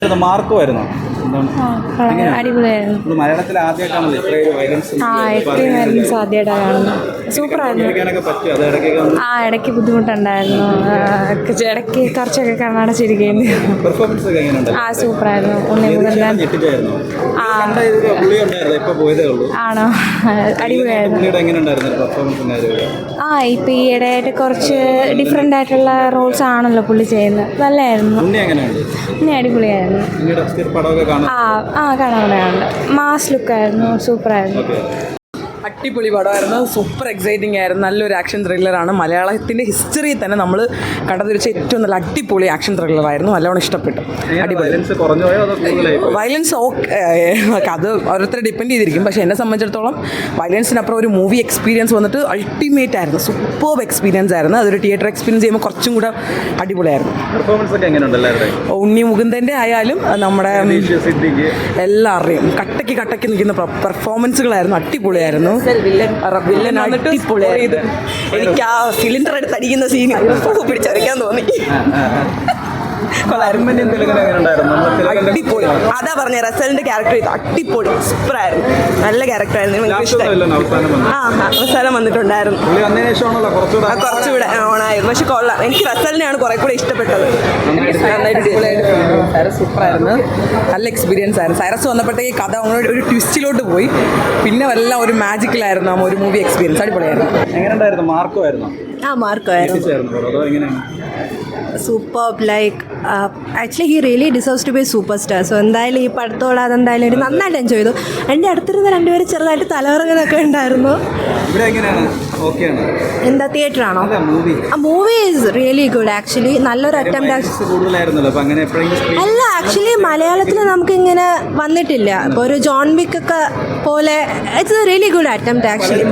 മാർക്കുമായിരുന്നു. അടിപൊളിയായിരുന്നു. മലയാളത്തിൽ ആദ്യമായിട്ടാണല്ലോ ഇത്രയും വയലൻസ് ആദ്യമായിട്ടാണ് കാണുന്നത്. സൂപ്പറായിരുന്നു. ഇടയ്ക്ക് ബുദ്ധിമുട്ടുണ്ടായിരുന്നു. ഇടയ്ക്ക് കുറച്ചൊക്കെ കണ്ണടച്ചിരിക്കുന്നു. പെർഫോമൻസ് ഒക്കെ എങ്ങനെയുണ്ട്? സൂപ്പറായിരുന്നു. ആണോ? അടിപൊളിയായിരുന്നു. ഇപ്പം ഈ ഇടയായിട്ട് കുറച്ച് ഡിഫറെൻ്റ് ആയിട്ടുള്ള റോൾസ് ആണല്ലോ പുള്ളി ചെയ്യുന്നത്. നല്ലതായിരുന്നു. പിന്നെ അടിപൊളിയായിരുന്നു. കാണാറുണ്ട്. മാസ് ലുക്കായിരുന്നു. സൂപ്പറായിരുന്നു. അടിപൊളി പടമായിരുന്നു. സൂപ്പർ എക്സൈറ്റിംഗ് ആയിരുന്നു. നല്ലൊരു ആക്ഷൻ ത്രില്ലറാണ്. മലയാളത്തിൻ്റെ ഹിസ്റ്ററിയിൽ തന്നെ നമ്മൾ കണ്ടതിൽ വെച്ച ഏറ്റവും നല്ല അടിപൊളി ആക്ഷൻ ത്രില്ലറായിരുന്നു. നല്ലോണം ഇഷ്ടപ്പെട്ടു. അടിപൊളി. വയലൻസ് അത് ഓരോരുത്തരെ ഡിപ്പെൻഡ് ചെയ്തിരിക്കും. പക്ഷേ എന്നെ സംബന്ധിച്ചിടത്തോളം വയലൻസിനപ്പുറം ഒരു മൂവി എക്സ്പീരിയൻസ് വന്നിട്ട് അൾട്ടിമേറ്റ് ആയിരുന്നു. സൂപ്പർ എക്സ്പീരിയൻസ് ആയിരുന്നു. അതൊരു തിയേറ്റർ എക്സ്പീരിയൻസ് ചെയ്യുമ്പോൾ കുറച്ചും കൂടെ അടിപൊളിയായിരുന്നു. ഉണ്ണി മുകുന്ദൻ്റെ ആയാലും നമ്മുടെ എല്ലാവരുടെയും കട്ടയ്ക്ക് നിൽക്കുന്ന പെർഫോമൻസുകളായിരുന്നു. അടിപൊളിയായിരുന്നു. എനിക്ക് ആ സിലിണ്ടർ എടുത്ത് അടിക്കുന്ന സീൻ പിടിച്ചറിയാൻ തോന്നി. അടിപൊളി. അതാ പറഞ്ഞ റസലിന്റെ ക്യാരക്ടർ ഇത് അടിപൊളി സൂപ്പറായിരുന്നു. നല്ല ക്യാരക്ടറായിരുന്നു. അവസാനം വന്നിട്ടുണ്ടായിരുന്നു. കുറച്ചുകൂടെ ഓണായിരുന്നു. പക്ഷെ കൊള്ളാം. എനിക്ക് റസലിനെയാണ് കുറെ കൂടെ ഇഷ്ടപ്പെട്ടത്. സൂപ്പറായിരുന്നു. നല്ല എക്സ്പീരിയൻസ് ആയിരുന്നു. സൈറസ് വന്നപ്പോഴത്തേക്ക് കഥ ഒരു ട്വിസ്റ്റിലോട്ട് പോയി. പിന്നെ എല്ലാം ഒരു മാജിക്കലായിരുന്നു. ഒരു മൂവി എക്സ്പീരിയൻസ് അടിപൊളിയായിരുന്നു. എങ്ങനെയുണ്ടായിരുന്നു? മാർക്കുമായിരുന്നു. Super. Like actually he really deserves to be superstar. So എന്തായാലും ഈ പടത്തോട് അതെന്തായാലും ഒരു നന്നായിട്ട് എൻജോയ് ചെയ്തു. എൻ്റെ അടുത്തിരുന്ന രണ്ടുപേരും ചെറുതായിട്ട് തലകറങ്ങുന്നൊക്കെ ഉണ്ടായിരുന്നു. എന്താ തിയേറ്റർ ആണോ? Movie is really good actually. നല്ലൊരു അറ്റംപ്റ്റ്. അല്ല ആക്ച്വലി മലയാളത്തിൽ നമുക്കിങ്ങനെ വന്നിട്ടില്ല. ഇപ്പോൾ ഒരു ജോൺ വിക്ക് ഒക്കെ പോലെ it's a really good attempt actually.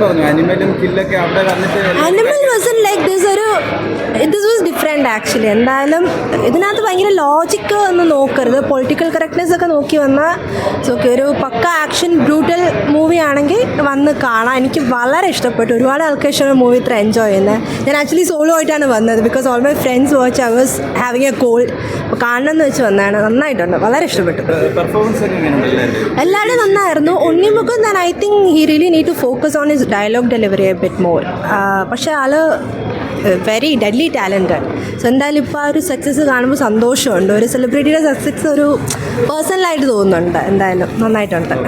Animal wasn't like this was different actually. എന്തായാലും ഇതിനകത്ത് ഭയങ്കര ലോജിക്ക് ഒന്നും നോക്കരുത്. പൊളിറ്റിക്കൽ കറക്റ്റ്നെസ് ഒക്കെ നോക്കി വന്നാൽ ഓക്കെ. ഒരു പക്ക ആക്ഷൻ ബ്രൂട്ടൽ മൂവി ആണെങ്കിൽ വന്ന് കാണാം. എനിക്ക് വളരെ ഇഷ്ടപ്പെട്ടു. ഒരുപാട് ആൾക്കാർ മൂവി ഇത്ര എൻജോയ് ചെയ്യുന്നത്. ഞാൻ ആക്ച്വലി സോളോ ആയിട്ടാണ് വന്നത്. Because all my friends watch I was having a cold. അപ്പോൾ കാണണം എന്ന് വെച്ച് വന്നതാണ്. നന്നായിട്ടുണ്ട്. വളരെ ഇഷ്ടപ്പെട്ടു. എല്ലാവരും നന്നായിരുന്നു. ഉണ്ണിമുഖം ഞാൻ I think he really need to focus on his dialogue delivery a bit more. പക്ഷേ ആള് വെരി ഡെഡ്ലി ടാലൻറ്റഡ്. സോ എന്തായാലും ഇപ്പോൾ ആ ഒരു സക്സസ് കാണുമ്പോൾ സന്തോഷമുണ്ട്. ഒരു സെലിബ്രിറ്റിയുടെ സക്സസ് ഒരു പേഴ്സണലായിട്ട് തോന്നുന്നുണ്ട്. എന്തായാലും നന്നായിട്ടുണ്ട്.